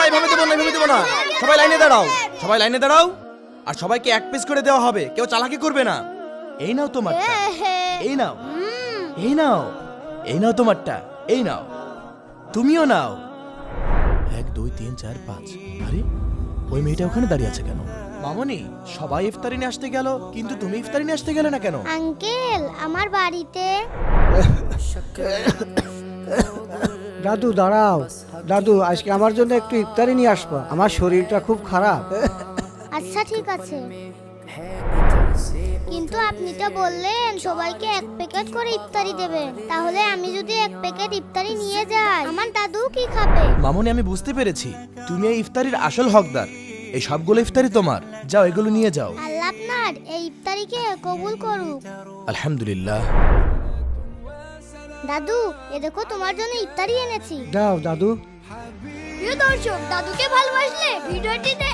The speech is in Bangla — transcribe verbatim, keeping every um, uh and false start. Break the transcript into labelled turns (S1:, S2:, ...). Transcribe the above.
S1: এইভাবে দেবো না, এইভাবে দেবো না। সবাই লাইনে দাঁড়াও, সবাই লাইনে দাঁড়াও। আর সবাইকে এক পিস করে দেওয়া হবে, কেউ চালাকি করবে না। এই নাও তোমারটা, এই নাও, এই নাও, এই নাও তোমারটা, এই নাও, তুমিও নাও। এক দুই তিন চার পাঁচ। আরে ওই মেয়েটা ওখানে দাঁড়িয়ে আছে কেন? মামনি, সবাই ইফতারি নিয়ে আসতে গেল, কিন্তু তুমি ইফতারি নিয়ে আসতে গেলে না কেন?
S2: আঙ্কেল আমার বাড়িতে।
S3: দাদু দাঁড়াও, দাদু আজকে আমার জন্য একটু ইফতারি নিয়ে আসবা, আমার শরীরটা খুব খারাপ।
S2: আচ্ছা ঠিক আছে, কিন্তু আপনি তো বললেন সবাইকে এক প্যাকেট করে ইফতারি দেবেন, তাহলে আমি যদি এক প্যাকেট ইফতারি নিয়ে যাই আমার দাদু কি খাবে?
S1: মামনি, আমি বুঝতে পেরেছি তুমি এই ইফতারির আসল হকদার। এই সবগুলো ইফতারি তোমার, যাও এগুলো নিয়ে যাও।
S2: আল্লাহ আপনার এই ইফতারিকে কবুল করুক।
S1: আলহামদুলিল্লাহ।
S2: দাদু এ দেখো তোমার জন্য ইফতারি এনেছি।
S3: দাও দাদু।
S2: প্রিয় দর্শক, দাদুকে ভালোবাসলে ভিডিওটিতে